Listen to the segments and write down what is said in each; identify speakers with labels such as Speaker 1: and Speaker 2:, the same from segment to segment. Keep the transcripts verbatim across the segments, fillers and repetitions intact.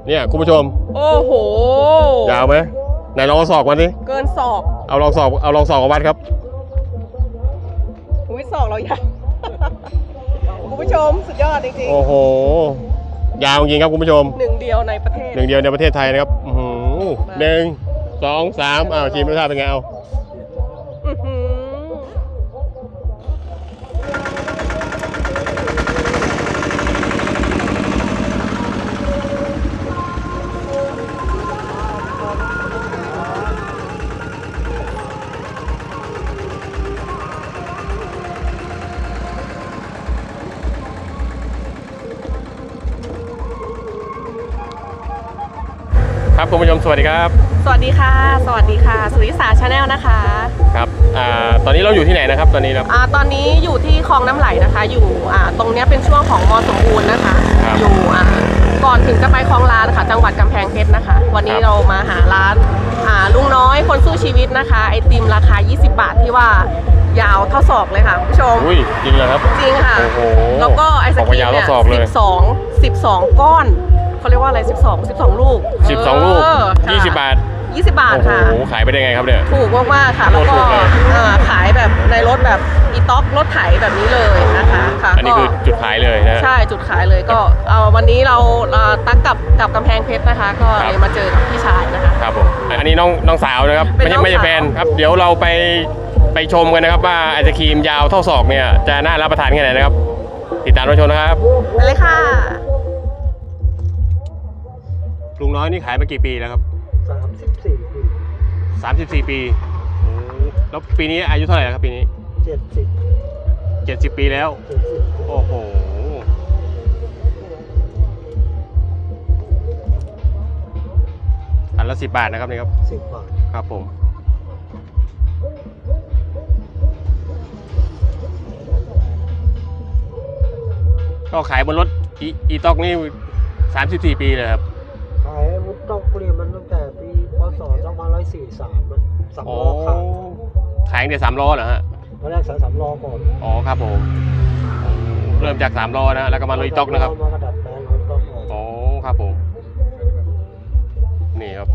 Speaker 1: เนี่ยคุณผู้ชม
Speaker 2: โอ้โห
Speaker 1: ยาวไหมไหนลองศอกมาดิ
Speaker 2: เกินศอก
Speaker 1: เอาลองศอกเอาลองศอกวัดครับ
Speaker 2: อุ้ยศอกเราใหญ่คุณผู้ชมสุดยอดจริงๆ
Speaker 1: โอ้โหยาวจริงครับคุณผู้ชม
Speaker 2: หนึ่งเดียวในประเทศ
Speaker 1: หนึ่งเดียวในประเทศไทยนะครับหนึ่งสองสามอ้าวชิมรสชาติเป็นไงเอาครับคุณผู้ชมสวัสดีครับ
Speaker 2: สวัสดีค่ะสวัสดีค่ะสุริสาชาแนลนะคะ
Speaker 1: ครับอ่าตอนนี้เราอยู่ที่ไหนนะครับตอนนี้ครับ
Speaker 2: อ่าตอนนี้อยู่ที่คลองน้ำไหลนะคะอยู่อ่าตรงนี้เป็นช่วงของมอสมบูรณ์นะคะอยู่อ่าก่อนถึงจะไปคลองลานค่ะจังหวัดกำแพงเพชรนะคะวันนี้เรามาหาร้านอ่าลุงน้อยคนสู้ชีวิตนะคะไอติมราคายี่สิบบาทที่ว่ายาวเท่าศอกเลยค่ะคุณผู้ชม
Speaker 1: อุ้ยจริงเหรอครับ
Speaker 2: จริงค่ะ
Speaker 1: โอ้โห
Speaker 2: แล้วก็ไอศกรีมเนี่ยสิบสอง สิบสองก้อนเขาเรียกว่าอะไรสิบสอง สิบสองลูก
Speaker 1: สิบสองลูกยี่สิบบาท
Speaker 2: ยี่สิบบาทค่ะ
Speaker 1: โอ้โหขายไปได้ไงครับเนี่ย
Speaker 2: ถูกมากๆค่ะแล้วก็ขายแบบในรถแบบอีต๊อกรถไถแบบนี้เลยนะคะค่ะ
Speaker 1: อันนี้คือจุดขายเลยนะ
Speaker 2: ใช่จุดขายเลยก็เอาวันนี้เราตั้งกับกับกำแพงเพชรนะคะก็เลยมาเจอกับพี่ชายนะคะ
Speaker 1: ครับผมอันนี้น้องน้องสาวนะครับไม่ใช่ไม่ใช่แฟนครับเดี๋ยวเราไปไปชมกันนะครับว่าไอศครีมยาวเท่าศอกเนี่ยจะน่ารับประทานแค่ไหนนะครับติดตามรับชมนะครับ
Speaker 2: ไปเลยค่ะ
Speaker 1: ลุงน้อยนี่ขายมากี่ปีแล้วครับ
Speaker 3: สามสิบสี่ปี
Speaker 1: สามสิบสี่ปีแล้วปีนี้อายุเท่าไหร่ครับปีนี้
Speaker 3: เจ็ดสิบ
Speaker 1: เจ็ดสิบปีแล้วโอ้โหอันละสิบบาทนะครับนี่ครับ
Speaker 3: สิบบาท
Speaker 1: ครับผมก็ขายบนรถอีต็อกนี่สามสิบสี่ปีเลยครับ
Speaker 3: ขายมุกต้องเปลี่ยนมันตั้งแต่ปีพศสองพันร้อยสี่สิบสามมันสามล้อขาย
Speaker 1: ขายเดี๋ยวสามล้อเหรอฮะ
Speaker 3: ตอนแรกขายสามล้อก่อน
Speaker 1: อ๋อครับผมเริ่มจากสามล้อนะแล้วก็มาลุยต็อกนะครับ
Speaker 3: มากระดัดแปลงลุยต็อก
Speaker 1: อ๋อครับผมนี่ครับ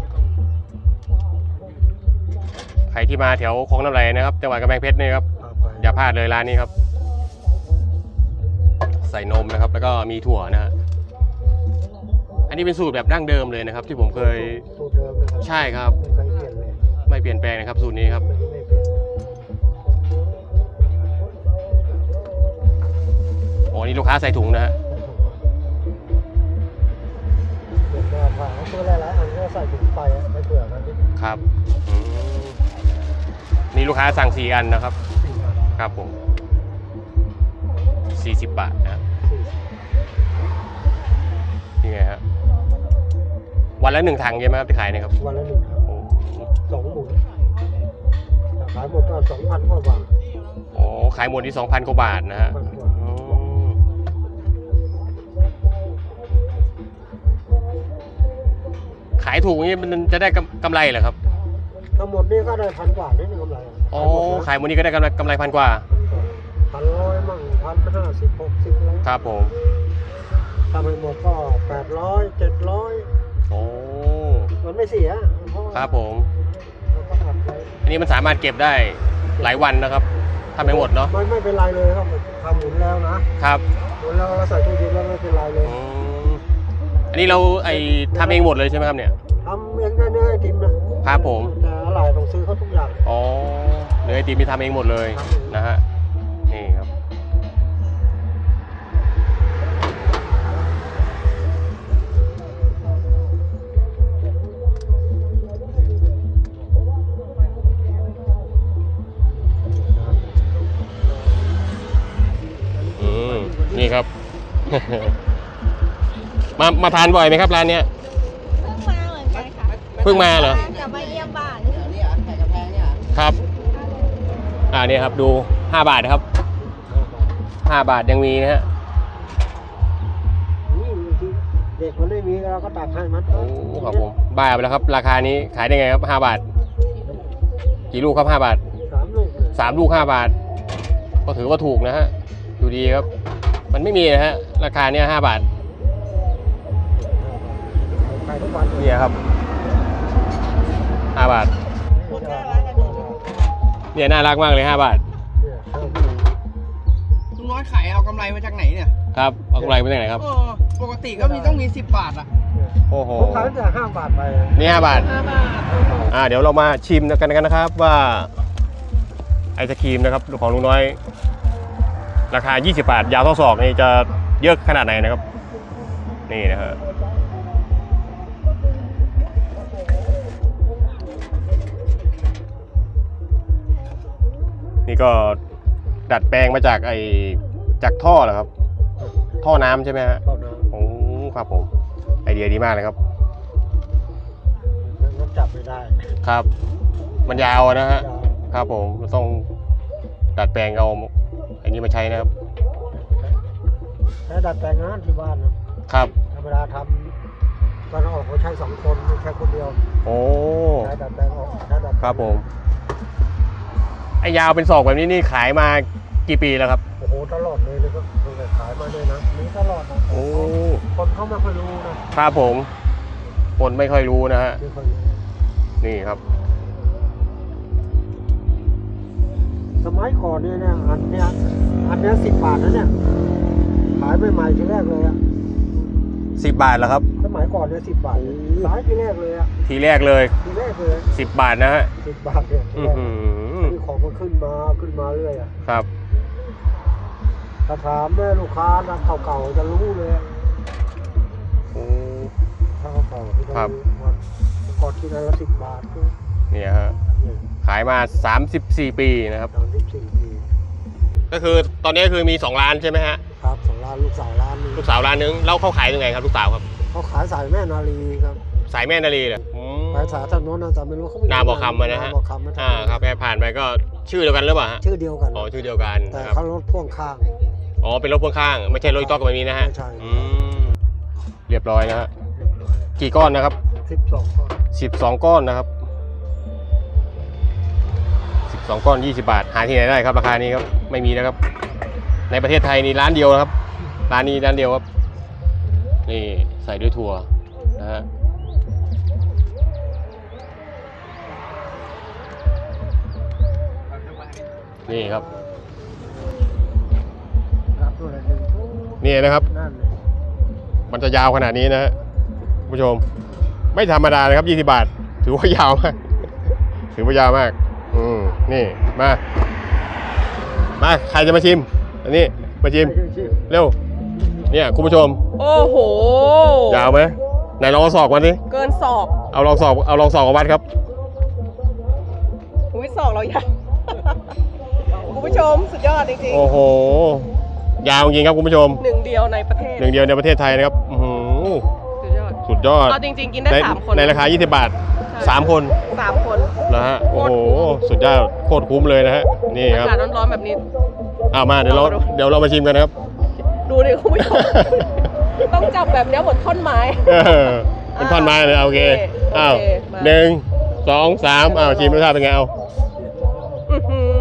Speaker 1: ใครที่มาแถวคลองน้ำไหลนะครับจังหวัดกำแพงเพชรนี่ครับอย่าพลาดเลยร้านนี้ครับใส่นมนะครับแล้วก็มีถั่วนะฮะอันนี้เป็นสูตรแบบดั้งเดิมเลยนะครับที่ผมเคย
Speaker 3: สูตรเดิมนะครับ
Speaker 1: ใช่ครับไม่เปลี่ยนแปลงนะครับสูตรนี้ครับอ๋อนี่ลูกค้าใส่ถุงนะฮะ
Speaker 3: ตัวหลายๆอันก็ใส่ถุงไปไม่เผื่อกัน
Speaker 1: ครับนี่ลูกค้าสั่งสี่อันนะครับครับผมสี่สิบบาทนะนี่ไงฮะวันละหนึ่งถังใช่ไหมครับที่ขายนะครับ
Speaker 3: วันละหนึ่งถังสองหมุนขายหมดก็สองพันกว่าบาท
Speaker 1: อ๋อขายหมดที่สองพันกว่าบาทนะฮะขายถูกนี้มันจะได้กำไรเหรอครับ
Speaker 3: ทั้งหมดนี่ก็ได้พันกว่าได้กำไร
Speaker 1: อ๋อขายหมดนี้ก็ได้กำไรกำไรพันกว่า
Speaker 3: พันร้อยมั่งพันห้าสิบหกสิบแล้ว
Speaker 1: ครับผม
Speaker 3: ทำให้หมดก็แปดร้อยเจ็ดร้อย
Speaker 1: โอ้
Speaker 3: มันไม่เสีย
Speaker 1: ครับผมอันนี้มันสามารถเก็บได้หลายวันนะครับทำไปหมดเนาะ
Speaker 3: ไม่ไม่เป็นไรเลยครับทำหมุนแล้วนะครับหมุนแล้วเราใส่ตู้เย็นแล้วไม่เป็นไรเลย
Speaker 1: อันนี้เราไอทำเองหมดเลยใช่ไหมครับเนี่ย
Speaker 3: ทำเองได้เนื้อไอติมนะครับ
Speaker 1: ผม
Speaker 3: แต่อะไรต้องซื้อเขาทุกอย่าง
Speaker 1: อ๋อเนื้อไอติมมีทำเองหมดเลยนะฮะนี่ครับนี่ครับ มามาทานบ่อยไหมครับร้านเนี้ย
Speaker 4: เพิ่งมาเหมือนกันค่ะ
Speaker 1: เพิ่งมาเหรอ
Speaker 4: จะมาเยี่ยมบ้าน
Speaker 1: ครับอ่านี่ครับดูห้าบาทครับห้าบาทยังมีนะฮะ
Speaker 3: เด็กมันไม่มีเราก็ตักให้มัน
Speaker 1: โอ้ครับผมบ้าไปแล้วครับราคานี้ขายได้ไงครับห้าบาทกี่ลูกครับห้าบาท
Speaker 3: สามลูก
Speaker 1: สามลูกห้าบาทก็ถือว่าถูกนะฮะดูดีครับมันไม่มีนะฮะราคาเนี้ยห้าบาท
Speaker 3: แปายทุกวันเลย
Speaker 1: เนี่ยครับห้าบาท
Speaker 4: คนน่ารักกันเลย
Speaker 1: เนี่ยน่ารักมากเลยห้าบาท
Speaker 3: เนี่ยเท่านี้
Speaker 5: ลุงน้อยขายเอากำไรมาจากไหนเนี่ย
Speaker 1: ครับเอากำไรไปจากไหนครับ
Speaker 5: เออปกติก็มีต้องมีสิบบาทอะ
Speaker 1: โอ้โห
Speaker 3: ผมขายตั้งแต่ห้าบาทไป
Speaker 1: นี่ห้าบาท
Speaker 2: ห้าบาท
Speaker 1: อ่าเดี๋ยวเรามาชิมกันกันนะครับว่าไอศครีมนะครับของลุงน้อย ราคา ยี่สิบบาท ยาวเท่าศอกนี่จะเยอะขนาดไหนนะครับ นี่นะฮะนี่ก็ดัดแปลงมาจากไอจากท่อเหรอครับ ท่อน้ำใช่ไหมฮะ
Speaker 3: เท่านั้น
Speaker 1: โอ้ครับผมไอเดียดีมากเลยครับ
Speaker 3: มันจับไม่ได้
Speaker 1: ครับ มันยาวอะนะฮะ
Speaker 3: ยาว
Speaker 1: ครับผมต้องดัดแปลงเอาอันนี้มาใช้นะครับ
Speaker 3: ใช้ดัดแปลงงานที่บ้านนะครับ ธรรมดาทำตอนออกเขาใช้สองคนไม่ใช่คนเดียว
Speaker 1: โอ้
Speaker 3: ใช้ดัดแปลงออกใช้ดัดแปลง
Speaker 1: ครับผมไอยาวเป็นศอกแบบนี้นี่ขายมากี่ปีแล้วครับ
Speaker 3: โอ้โหตลอดเลยเลยก็ตั้งแต่ขายมาเลยนะมีตลอดนะ
Speaker 1: โอ้
Speaker 3: คนเขาไม่ค่อยรู้นะครับ
Speaker 1: ผมคนไม่ค่อยรู้นะฮะ
Speaker 3: ไม่ค่อยรู้
Speaker 1: นี่ครับ
Speaker 3: สมัยก่อนเนี่ยนะอันเนี้ยอันเนี้ยสิบบาทนะเนี่ยขายใหม่ๆทีแรกเลยอะ
Speaker 1: สิบบาทแล้วครับ
Speaker 3: สมัยก่อนเนี่ยสิบบาทขายทีแรกเลยอะ
Speaker 1: ทีแรกเลย
Speaker 3: ทีแรกเลย
Speaker 1: สิบบาทนะฮะ
Speaker 3: สิบบาทเนี่ยที
Speaker 1: อื
Speaker 3: แร
Speaker 1: อก หือ
Speaker 3: มีของมันขึ้นมาขึ้นมาเรื่อยอะ
Speaker 1: ครับ
Speaker 3: ถ้าถามแม่ลูกค้านะเก่าๆจะรู้เลยอะ
Speaker 1: โอ้
Speaker 3: ถ้าเก่าๆที่
Speaker 1: ครับ
Speaker 3: ว่าก่อนที่ได้ละสิบบาทก็
Speaker 1: เนี่ยฮะขายมาสามสิบสี่ปีนะครับ
Speaker 3: สามสิบสี่ปี
Speaker 1: ก็คือตอนนี้คือมีสองร้านใช่ไหมฮะ
Speaker 3: ครับสองร้านลูกสาวร้านนึง
Speaker 1: ลูกสาวร้านนึงแล้วเขาขายยังไงครับลูกสาวครับ
Speaker 3: เขาขายสายแม่นาลีครับ
Speaker 1: สายแม่นาลีเหรออืม
Speaker 3: ขายสายถนนนะแต่ไม่รู้เขาไม่
Speaker 1: นาบ่อคำอะนะฮะ
Speaker 3: นาบ่อคำนะ
Speaker 1: อ่าครับแค่ผ่านไปก็ชื่อเดียวกันหรือเปล่าฮะ
Speaker 3: ชื่อเดียวกัน
Speaker 1: อ๋อชื่อเดียวกัน
Speaker 3: แต่
Speaker 1: นะครับ
Speaker 3: เขารถพ่วงข้าง
Speaker 1: อ๋อเป็นรถพ่วงข้างไม่ใช่รถอีต๊อกแบบนี้นะฮะ
Speaker 3: ไม่ใช่
Speaker 1: อืมเรียบร้อยนะฮะกี่ก้อนนะครับ
Speaker 3: สิบสองข้อ
Speaker 1: สิบสองก้อนนะครับสิบสองก้อนยี่สิบบาทหาที่ไหนได้ครับราคานี้ครับไม่มีนะครับ ในประเทศไทยนี่ร้านเดียวนะครับร้านนี้ร้านเดียวครับนี่ใส่ด้วยถั่วนะฮะนี่ครับ
Speaker 3: รับตัวละหนึ่งทุก
Speaker 1: นี่นะครับ
Speaker 3: นั่นเลย
Speaker 1: มันจะยาวขนาดนี้นะฮะคุณผู้ชมไม่ธรรมดาเลยครับยี่สิบบาทถือว่ายาวมากถือว่ายาวมากอืมนี่มามาใครจะมาชิมอันนี้มาชิมเร็วเนี่ยคุณผู้ชม
Speaker 2: โอ้โห
Speaker 1: ยาวไหมไหนลองเอาศอกมาดิ
Speaker 2: เกินศอก
Speaker 1: เอาลองศอกเอาลองศอกมาวัดครับ
Speaker 2: อุ้ยศอกเราใหญ่ คุณผู้ชมสุดยอดจริง
Speaker 1: โอ้โหยาวจริงครับคุณผู้ชม
Speaker 2: ๆหนึ่งเดียวในประเทศ
Speaker 1: หนึ่งเดียวในประเทศไทยนะครับอื้อหือ
Speaker 2: สุดยอด
Speaker 1: สุดยอด
Speaker 2: เอาจริงๆ กินได้
Speaker 1: ใน
Speaker 2: สามคน
Speaker 1: ในราคายี่สิบบาท
Speaker 2: ใช่
Speaker 1: สามคน
Speaker 2: สามคน
Speaker 1: นะฮะโอ้โหสุดยอดโคตรคุ้มเลยนะฮะนี่ครับ
Speaker 2: อากาศร้อนๆแบบนี้
Speaker 1: เอามาเดี๋ยวเรา
Speaker 2: เอามาดู
Speaker 1: เดี๋ยวเรามาชิมกันนะครับ
Speaker 2: ดูดิคุณผู้ชม ต้องจับแบบเนี้ยเหมือนท่อนไม้
Speaker 1: เออเป็นท่อนไม้เลยเอาโอเค
Speaker 2: โอเค
Speaker 1: อ้าว
Speaker 2: มา
Speaker 1: หนึ่งสองสามอ้าวชิมรสชาติเป็นไงเอา
Speaker 2: อื้อหือ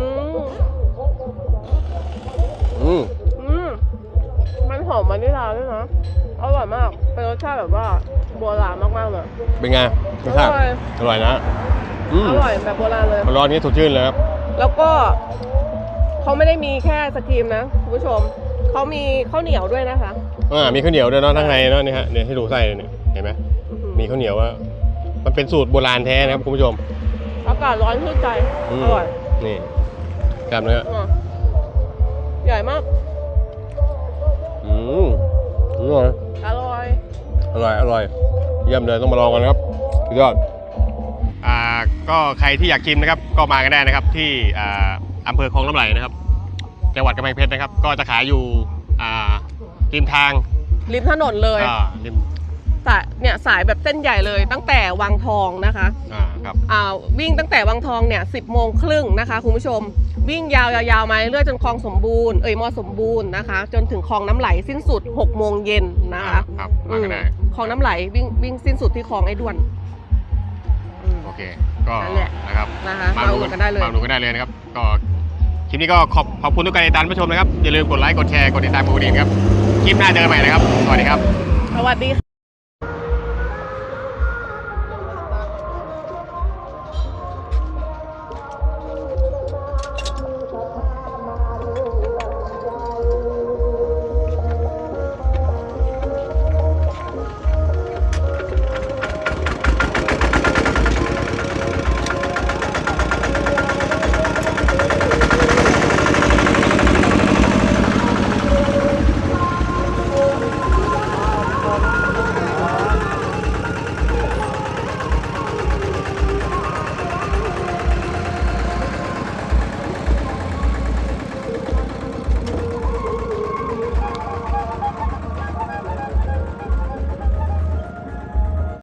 Speaker 1: อืม
Speaker 2: อืมมันหอมวานิลลาด้วยนะอร่อยมาก เป็นรสชาติแบบว่าโบราณมากๆเลย
Speaker 1: เป็นไงรสชาติ
Speaker 2: อร่อย
Speaker 1: อร่อยนะอืม
Speaker 2: อร่อยแบบโบราณเลย
Speaker 1: มันร้อนนี้สดชื่นเลยครับ
Speaker 2: แล้วก็เขาไม่ได้มีแค่สกรีมนะคุณผู้ชม เขามีข้าวเหนียวด้วยนะคะ
Speaker 1: อ่ามีข้าวเหนียวด้วยเนาะข้างในเนาะนี่ฮะเนี่ยให้ดูไส้เลยเนี่ยเห็นไหม
Speaker 2: อื้อหือ
Speaker 1: มีข้าวเหนียวว่ามันเป็นสูตรโบราณแท้นะครับคุณผู้ชม
Speaker 2: อากาศร้อนชื่นใจ
Speaker 1: อืม
Speaker 2: อร่อย
Speaker 1: นี่กล้ามเนื้อ
Speaker 2: อ่ะใหญ่มาก
Speaker 1: อืมอร่อย
Speaker 2: อร่อย
Speaker 1: อร่อยอร่อยเยี่ยมเลยต้องมาลองกันนะครับสุดยอดอ่าก็ใครที่อยากชิมนะครับก็มากันได้นะครับที่อ่าอำเภอคลองน้ำไหลนะครับจังหวัดกำแพงเพชรนะครับ ก็จะขายอยู่อ่าริมทาง
Speaker 2: ริมถนนเลย
Speaker 1: อ่าริม
Speaker 2: สายเนี่ยสายแบบเส้นใหญ่เลย ตั้งแต่วังทองนะคะ
Speaker 1: อ่าครับ
Speaker 2: อ่าวิ่งตั้งแต่วังทองเนี่ยสิบโมงครึ่งนะคะคุณผู้ชม วิ่งยาวๆมาเรื่อยๆจนคลองสมบูรณ์เอ่ยมอสมบูรณ์นะคะ จนถึงคลองน้ำไหลสิ้นสุดหกโมงเย็นนะคะ
Speaker 1: ครับมากันได้
Speaker 2: อืมคลองน้ำไหลวิ่งวิ่งสิ้นสุดที่คลองไอ้ด้วนอืม
Speaker 1: โอเคก็
Speaker 2: นั่นแหละ
Speaker 1: นะครับ
Speaker 2: นะคะมาอุดหนุนกันได้เลย
Speaker 1: มาอุดหนุนกันได้เลยนะครับก็คลิปนี้ก็ขอบขอบคุณทุกการติดตามผู้ชมนะครับอย่าลืมกดไลค์กดแชร์กดติดตามกดกระดิ่งครับคลิปหน้าเจอกันใหม่นะครับสวัสดีครับ
Speaker 2: สวัสดีค่ะ